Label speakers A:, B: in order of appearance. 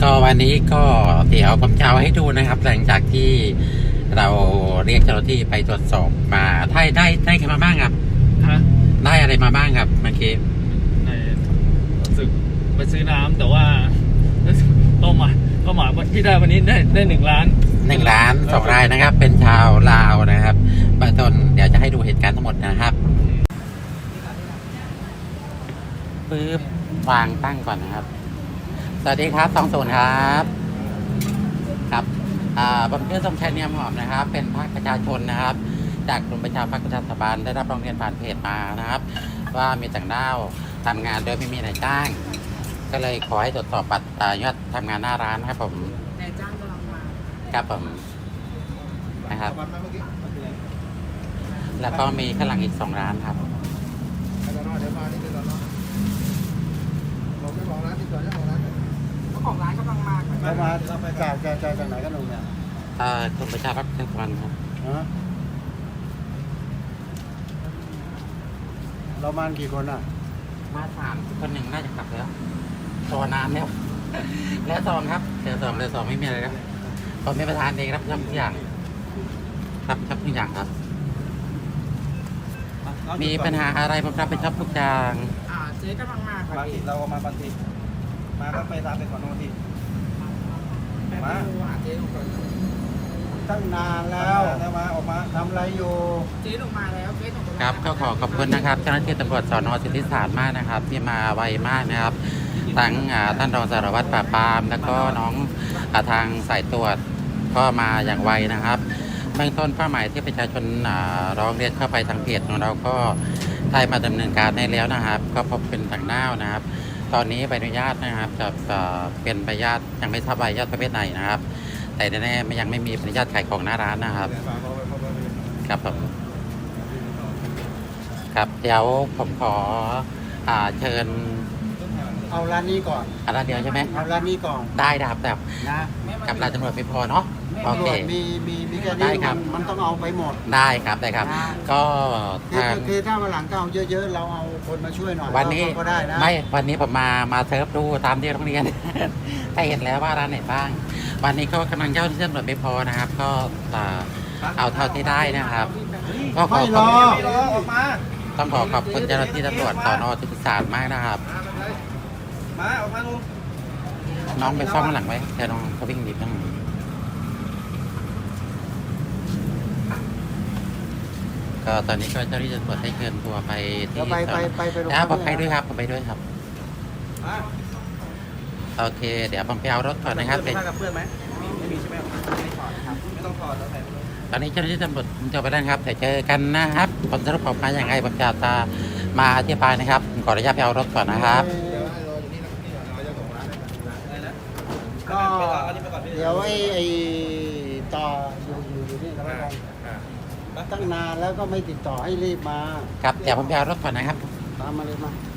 A: ก็วันนี้ก็เดี๋ยวผมจะเอาให้ดูนะครับ หลังจากที่เราเรียกเจ้าหน้าที่ไปตรวจสอบมาได้กันมาบ้างครับ
B: ฮะ
A: ได้อะไรมาบ้างครับเมื่อกี้
B: ในรู้สึกไปซื้อน้ำแต่ว่าเป้าหมายที่ได้วันนี้ได้1 ล้าน
A: 1 ล้าน2 รายนะครับ เป็นชาวลาวนะครับเบื้องต้นเดี๋ยวจะให้ดูเหตุการณ์ทั้งหมดนะครับปึ๊บวางตั้งก่อนนะครับสวัสดีครับ20ครับครับผมชื่อสมชายเนียมหอมนะครับ เป็นภาคประชาชนนะครับ จากกลุ่มประชาภาคประชาสัมพันธ์ได้รับร้องเรียนผ่านเพจมานะครับ ว่ามีต่างด้าวทำงานโดยไม่มีนายจ้าง ก็เลยขอให้ตรวจสอบบัตรยอดทำงานหน้าร้านครับผม
C: นายจ้างกำลังมา
A: ครับผมนะครับ แล้วก็มีข้างหลังอีก2 ร้านครับ
C: เจ้าของร้านกำลังมา
D: เรามาจากไหนกันหนุ่มเนี่ย
A: กลุ่มประชาภาคประชาสัมพันธ์ครับ
D: ฮะเรามากี่คนอ่ะ
A: มา3 คนหนึ่งน่าจะกลับแล้วรอนานแล้ว แล้ว2ครับเดี๋ยว2ไม่มีอะไรครับผมเป็นประธานเองรับผิดชอบทุกอย่างรับผิดชอบทุกอย่างครับ มีปัญหาอะไรผมรับผิดชอบทุกอย่าง
C: เจ๊กำลังมาค่ะ
D: บางทีเราก็มาบางทีมาก็ไปตามไปก่อนบางที
C: มาหาเจ๊ลงก่อน
D: ตั้งนานแล้วมาออกมาทำอะไรอยู่
C: เจ๊ลงมาแล้วเจ๊ลงมา
A: ครับก็ขอขอบคุณนะครับเจ้าหน้าที่ตำรวจสน.สิทธิสารมากนะครับ ที่มาไวมากนะครับทั้งท่านรองสารวัตรปราบปรามแล้วก็น้องทางสายตรวจก็มาอย่างไวนะครับเบื้องต้นเป้าหมายที่ประชาชนร้องเรียนเข้าไปทางเพจของเราก็ได้มาดำเนินการได้แล้วนะครับ ก็พบเป็นต่างด้าวนะครับ ตอนนี้ใบอนุญาตนะครับจะเป็นใบอนุญาตยังไม่ทราบใบอนุญาตประเภทไหนนะครับ แต่แน่ๆยังไม่มีใบอนุญาตขายของหน้าร้านนะครับครับผมครับเดี๋ยวผมขอเชิญ
D: เอาร้านนี้ก่อน
A: ร้านเดียวใช่ไหม
D: เอาร้านนี้ก่อน
A: ได้ครับแต่
D: นะ
A: กับร้านตำรวจไม่พอเนาะโอ
D: ตำร
A: เคว
D: จมีแค่
A: ได้
D: นี้
A: ครับ
D: มันต้องเอาไปหมด
A: ได้ครับได้ครับ ก็ทาง
D: คือถ้าวันหลังก็เอาเยอะๆเราเอาคนมาช่วยหน่อย
A: วันนี้
D: ก็ได้นะ
A: ไม่วันนี้ผมมาเซิร์ฟดูตามที่โรงเรียน ได้เห็นแล้วว่าร้านไหนบ้าง วันนี้ก็กำลังเจ้าที่ตำรวจไม่พอนะครับ ก็เอาเท่าที่ได้นะครับก็ขอ
D: ไม่
A: ข
D: ร
A: อบ
D: อ
A: คุณ
D: ออกมา
A: ต้องขอขอบคุณเจ้าหน้าที่ตำรวจสน.สิทธิสารมากนะครับ
D: มาออกมาลุง
A: น้องไปซ่อมข้างหลังไว้เดี๋ยวน้องเขาวิ่งหนีข้างหลังก็ตอนนี้ก็เจ้าหน้าที่ตำรวจให้เชิญตัวไปที่
D: เดี๋ยวไปโรง
A: ผมไปด้วยครับผมไปด้วยครับ
D: มา
A: โอเค เดี๋ยวผมไปเอารถก่อนนะครับ
D: ผ้ากับเพื่อนไหมไม่มีใช่ไหมไม่ถอดครับไม่ต้องถอดแล้วใส่ไปเลย
A: ตอนนี้เจ้าหน้าที่ตำรวจจะไปแล้วครับแต่เจอกันนะครับผลสรุปออกมาอย่างไรผมจะมาอธิบายนะครับผมขออนุญาตไปเอารถก่อนนะครับ
D: ก็เดี๋ยวไอ้ต่ออยู่นี่แล้วกันตั้งนานแล้วก็ไม่ติดต่อให้รีบมา
A: ครับเดี๋ยวผมไปเอารถก่อนนะครับ
D: ตามมาเลยมา